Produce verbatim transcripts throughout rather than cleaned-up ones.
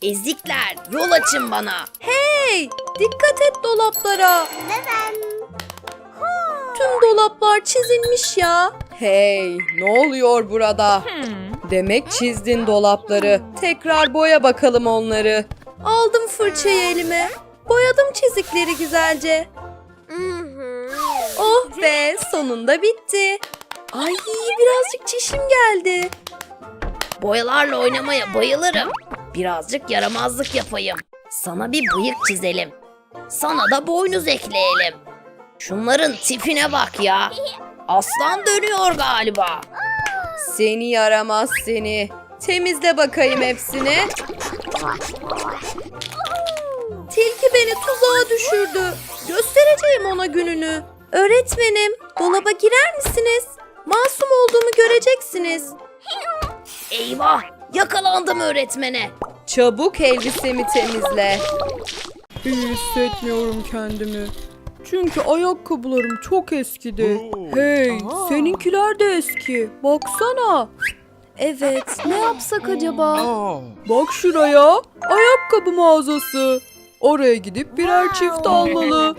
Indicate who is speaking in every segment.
Speaker 1: Ezikler, yol açın bana.
Speaker 2: Hey, dikkat et dolaplara.
Speaker 3: Neden?
Speaker 2: Tüm dolaplar çizilmiş ya. Hey, ne oluyor burada? Demek çizdin dolapları. Tekrar boya bakalım onları. Aldım fırçayı elime. Boyadım çizikleri güzelce. Oh be, sonunda bitti. Ay, birazcık çişim geldi.
Speaker 1: Boyalarla oynamaya bayılırım. Birazcık yaramazlık yapayım. Sana bir bıyık çizelim. Sana da boynuz ekleyelim. Şunların tipine bak ya. Aslan dönüyor galiba.
Speaker 2: Seni yaramaz seni. Temizle bakayım hepsini. Tilki beni tuzağa düşürdü. Göstereceğim ona gününü. Öğretmenim, dolaba girer misiniz? Masum olduğumu göreceksiniz.
Speaker 1: Eyvah, yakalandım öğretmene.
Speaker 2: Çabuk elbisemi temizle. İyi hissetmiyorum kendimi. Çünkü ayakkabılarım çok eskidi. Hey, seninkiler de eski. Baksana. Evet, ne yapsak acaba? Bak şuraya. Ayakkabı mağazası. Oraya gidip birer çift almalı.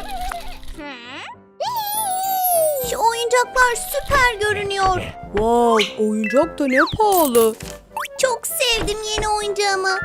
Speaker 3: Şu oyuncaklar süper görünüyor.
Speaker 2: Wow, oyuncak da ne pahalı.
Speaker 3: Çok sevdim yeni oyuncağımı.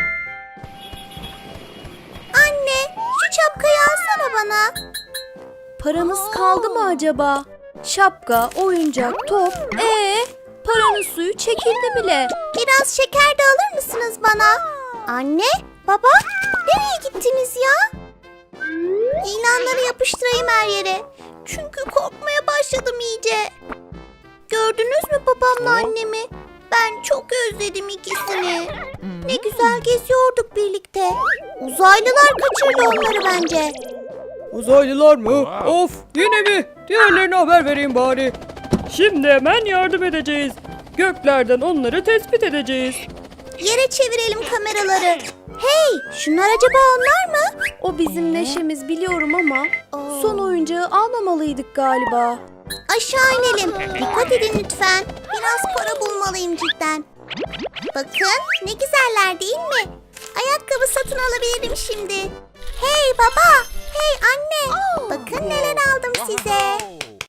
Speaker 3: Anne, şu şapkayı alsana bana.
Speaker 2: Paramız kaldı mı acaba? Şapka, oyuncak, top. Ee, paranın suyu çekildi bile.
Speaker 3: Biraz şeker de alır mısınız bana? Anne, baba, nereye gittiniz ya? İlanları yapıştırayım her yere. Çünkü korkmaya başladım iyice. Gördünüz mü babamla annemi? Ben çok özledim ikisini. Ne güzel geziyorduk birlikte. Uzaylılar kaçırdı onları bence.
Speaker 2: Uzaylılar mı? Of, yine mi? Diğerlerine haber vereyim bari. Şimdi hemen yardım edeceğiz. Göklerden onları tespit edeceğiz.
Speaker 3: Yere çevirelim kameraları. Hey, şunlar acaba onlar mı?
Speaker 2: O bizim neşemiz biliyorum ama son oyuncağı almamalıydık galiba.
Speaker 3: Aşağı inelim. Dikkat edin lütfen. Biraz para bulmalıyım cidden. Bakın ne güzeller değil mi? Ayakkabı satın alabilirim şimdi. Hey baba, hey anne. Bakın neler aldım size.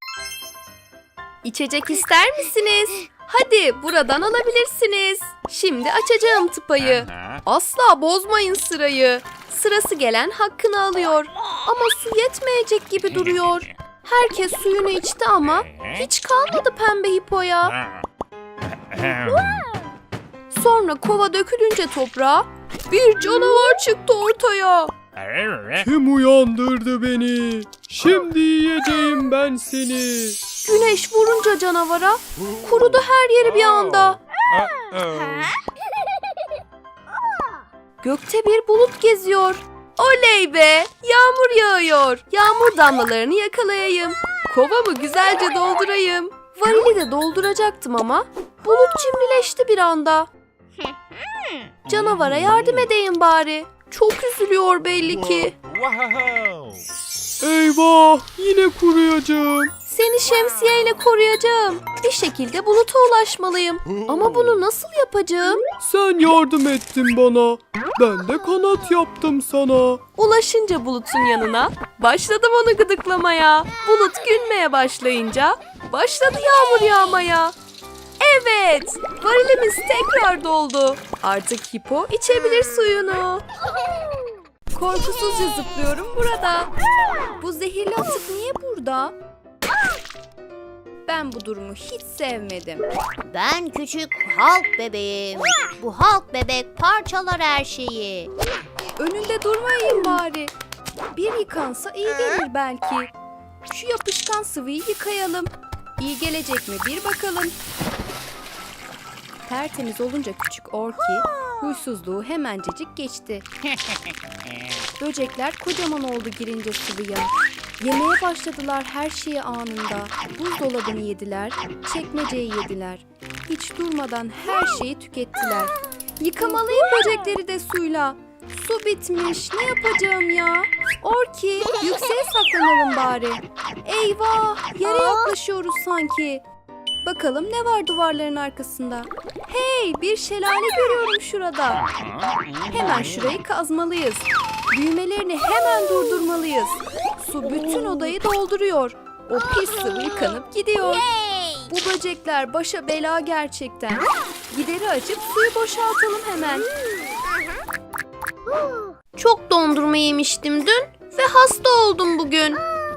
Speaker 2: İçecek ister misiniz? Hadi buradan alabilirsiniz. Şimdi açacağım tıpayı. Asla bozmayın sırayı. Sırası gelen hakkını alıyor. Ama su yetmeyecek gibi duruyor. Herkes suyunu içti ama hiç kalmadı pembe hipoya. Sonra kova dökülünce toprağa bir canavar çıktı ortaya. Kim uyandırdı beni? Şimdi yiyeceğim ben seni. Güneş vurunca canavara kurudu her yeri bir anda. Gökte bir bulut geziyor. Oley be! Yağmur yağıyor. Yağmur damlalarını yakalayayım. Kovamı güzelce doldurayım. Varili de dolduracaktım ama bulut cimrileşti bir anda. Canavara yardım edeyim bari. Çok üzülüyor belli ki. Eyvah! Yine kuruyacağım. Seni şemsiyeyle koruyacağım. Bir şekilde buluta ulaşmalıyım. Ama bunu nasıl yapacağım? Sen yardım ettin bana. Ben de kanat yaptım sana. Ulaşınca bulutun yanına başladım onu gıdıklamaya. Bulut gülmeye başlayınca başladı yağmur yağmaya. Evet, varilimiz tekrar doldu. Artık hipo içebilir suyunu. Korkusuzca zıplıyorum burada. Bu zehirli atık niye burada? Ben bu durumu hiç sevmedim.
Speaker 3: Ben küçük Halk bebeğim. Bu Halk bebek parçalar her şeyi.
Speaker 2: Önünde durmayayım bari. Bir yıkansa iyi gelir belki. Şu yapışkan sıvıyı yıkayalım. İyi gelecek mi bir bakalım. Tertemiz olunca küçük Orki huysuzluğu hemencecik geçti. Böcekler kocaman oldu girince sıvıya. Yemeye başladılar her şeyi anında. Buzdolabını yediler, çekmeceyi yediler. Hiç durmadan her şeyi tükettiler. Yıkamalıyım böcekleri de suyla. Su bitmiş, ne yapacağım ya? Orki, yükseğe saklanalım bari. Eyvah, yere yaklaşıyoruz sanki. Bakalım ne var duvarların arkasında? Hey, bir şelale görüyorum şurada. Hemen şurayı kazmalıyız. Büyümelerini hemen durdurmalıyız. Su bütün odayı dolduruyor. O pis sıvı yıkanıp gidiyor. Bu böcekler başa bela gerçekten. Gideri açıp suyu boşaltalım hemen. Çok dondurma yemiştim dün ve hasta oldum bugün.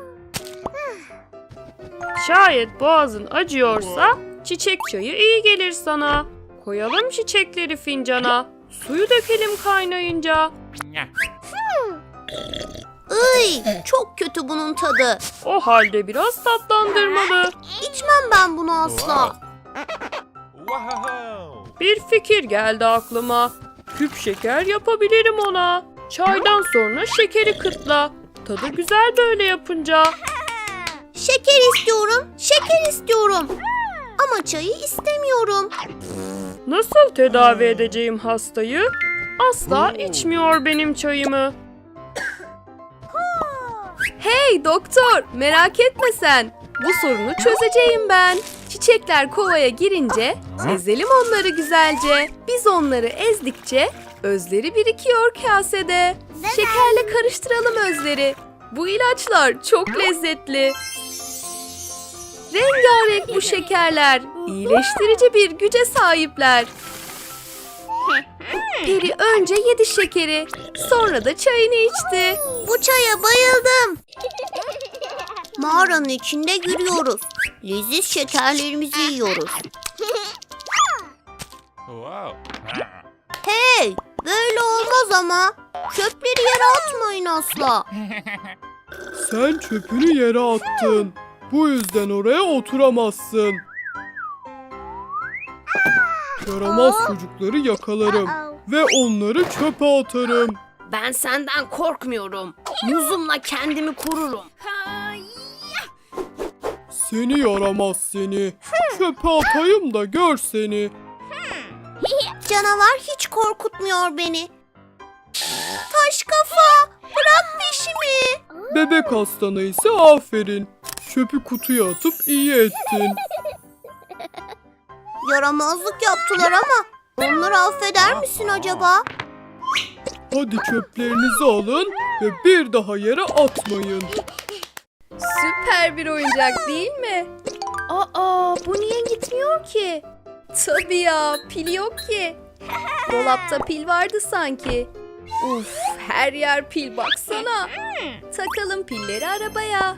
Speaker 4: Şayet boğazın acıyorsa çiçek çayı iyi gelir sana. Koyalım çiçekleri fincana. Suyu dökelim kaynayınca.
Speaker 3: Iy, çok kötü bunun tadı.
Speaker 4: O halde biraz tatlandırmalı.
Speaker 3: İçmem ben bunu asla.
Speaker 4: Bir fikir geldi aklıma. Küp şeker yapabilirim ona. Çaydan sonra şekeri kıtla. Tadı güzel böyle yapınca.
Speaker 3: Şeker istiyorum, şeker istiyorum. Ama çayı istemiyorum.
Speaker 4: Nasıl tedavi edeceğim hastayı? Asla içmiyor benim çayımı.
Speaker 2: Hey doktor, merak etme sen. Bu sorunu çözeceğim ben. Çiçekler kovaya girince ezelim onları güzelce. Biz onları ezdikçe özleri birikiyor kasede. Şekerle karıştıralım özleri. Bu ilaçlar çok lezzetli. Rengarenk bu şekerler. İyileştirici bir güce sahipler. Peri önce yedi şekeri, sonra da çayını içti.
Speaker 3: Bu çaya bayıldım. Mağaranın içinde yürüyoruz. Leziz şekerlerimizi yiyoruz. Hey, böyle olmaz ama. Çöpleri yere atmayın asla.
Speaker 5: Sen çöpünü yere attın. Bu yüzden oraya oturamazsın. Yaramaz çocukları yakalarım ve onları çöpe atarım.
Speaker 1: Ben senden korkmuyorum. Muzumla kendimi korurum.
Speaker 5: Seni yaramaz seni. Çöpe atayım da gör seni.
Speaker 3: Canavar hiç korkutmuyor beni. Taş kafa, bırak peşimi.
Speaker 5: Bebek hastana ise aferin. Çöpü kutuya atıp iyi ettin.
Speaker 3: Yaramazlık yaptılar ama onları affeder misin acaba?
Speaker 5: Hadi çöplerinizi alın ve bir daha yere atmayın.
Speaker 2: Süper bir oyuncak değil mi? Aa, bu niye gitmiyor ki? Tabii ya, pil yok ki. Dolapta pil vardı sanki. Uf, her yer pil baksana. Takalım pilleri arabaya.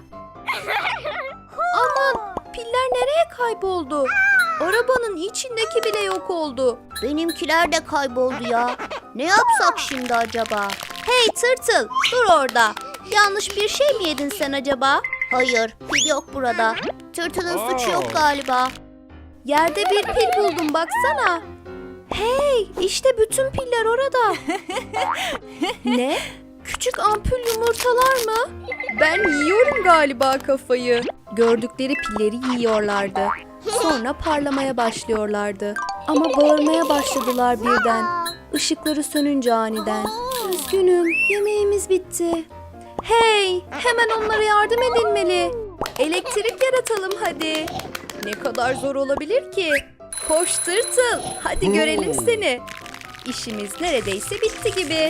Speaker 2: Aman, piller nereye kayboldu? Arabanın içindeki bile yok oldu.
Speaker 3: Benimkiler de kayboldu ya. Ne yapsak şimdi acaba?
Speaker 2: Hey tırtıl, dur orada. Yanlış bir şey mi yedin sen acaba?
Speaker 3: Hayır, pil yok burada. Tırtılın suçu yok galiba.
Speaker 2: Yerde bir pil buldum baksana. Hey, işte bütün piller orada. Ne? Küçük ampul yumurtalar mı? Ben yiyorum galiba kafayı. Gördükleri pilleri yiyorlardı. Sonra parlamaya başlıyorlardı. Ama bağırmaya başladılar birden. Işıkları sönünce aniden. Üzgünüm, yemeğimiz bitti. Hey, hemen onlara yardım edilmeli. Elektrik yaratalım hadi. Ne kadar zor olabilir ki? Koş tırtıl, hadi görelim seni. İşimiz neredeyse bitti gibi.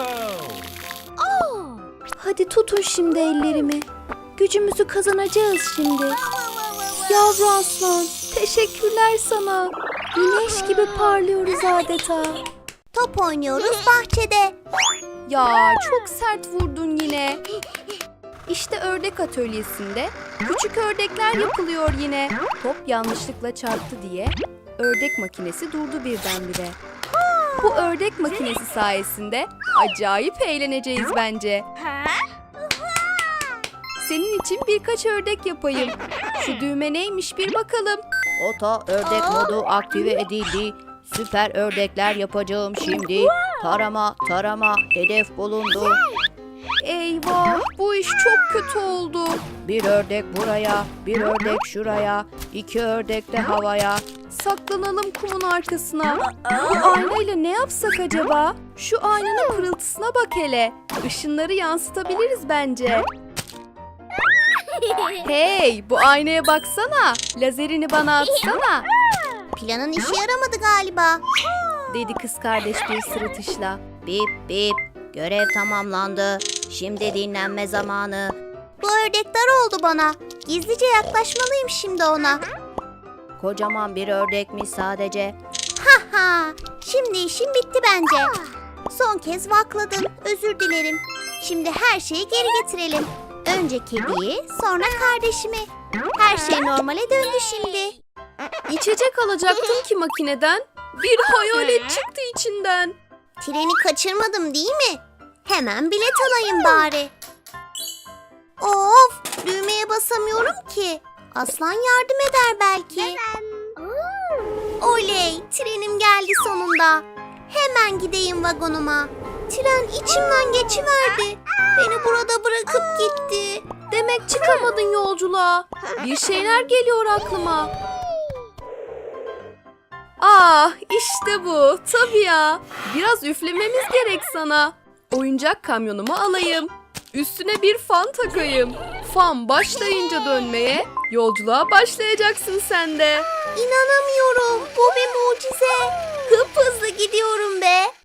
Speaker 2: Hadi tutun şimdi ellerimi. Gücümüzü kazanacağız şimdi. Yavru aslan, teşekkürler sana. Güneş gibi parlıyoruz adeta.
Speaker 3: Top oynuyoruz bahçede.
Speaker 2: Ya çok sert vurdun yine. İşte ördek atölyesinde küçük ördekler yapılıyor yine. Top yanlışlıkla çarptı diye ördek makinesi durdu birdenbire. Bu ördek makinesi sayesinde acayip eğleneceğiz bence. Senin için birkaç ördek yapayım. Şu düğme neymiş bir bakalım.
Speaker 6: Ota ördek modu aktive edildi. Süper ördekler yapacağım şimdi. Tarama tarama hedef bulundu.
Speaker 2: Eyvah, bu iş çok kötü oldu.
Speaker 6: Bir ördek buraya, bir ördek şuraya, iki ördek de havaya.
Speaker 2: Saklanalım kumun arkasına. Bu aynayla ne yapsak acaba? Şu aynanın pırıltısına bak hele. Işınları yansıtabiliriz bence. Hey, bu aynaya baksana. Lazerini bana atsana.
Speaker 3: Planın işe yaramadı galiba.
Speaker 6: Dedi kız kardeş bir sırıtışla. Bip bip. Görev tamamlandı. Şimdi dinlenme zamanı.
Speaker 3: Bu ördekler oldu bana. Gizlice yaklaşmalıyım şimdi ona.
Speaker 6: Kocaman bir ördekmiş sadece.
Speaker 3: Ha, şimdi işim bitti bence. Son kez vakladım. Özür dilerim. Şimdi her şeyi geri getirelim. Önce kediyi, sonra kardeşimi. Her şey normale döndü şimdi.
Speaker 2: İçecek alacaktım ki makineden. Bir hayalet çıktı içinden.
Speaker 3: Treni kaçırmadım değil mi? Hemen bilet alayım bari. Of, düğmeye basamıyorum ki. Aslan yardım eder belki. Oley, trenim geldi sonunda. Hemen gideyim vagonuma. Tren içimden geçiverdi. Beni burada bırakıp gitti.
Speaker 2: Demek çıkamadın yolculuğa. Bir şeyler geliyor aklıma. Ah, işte bu. Tabii ya. Biraz üflememiz gerek sana. Oyuncak kamyonumu alayım. Üstüne bir fan takayım. Fan başlayınca dönmeye, yolculuğa başlayacaksın sen de.
Speaker 3: İnanamıyorum. Bu bir mucize. Hıp hızlı gidiyorum be.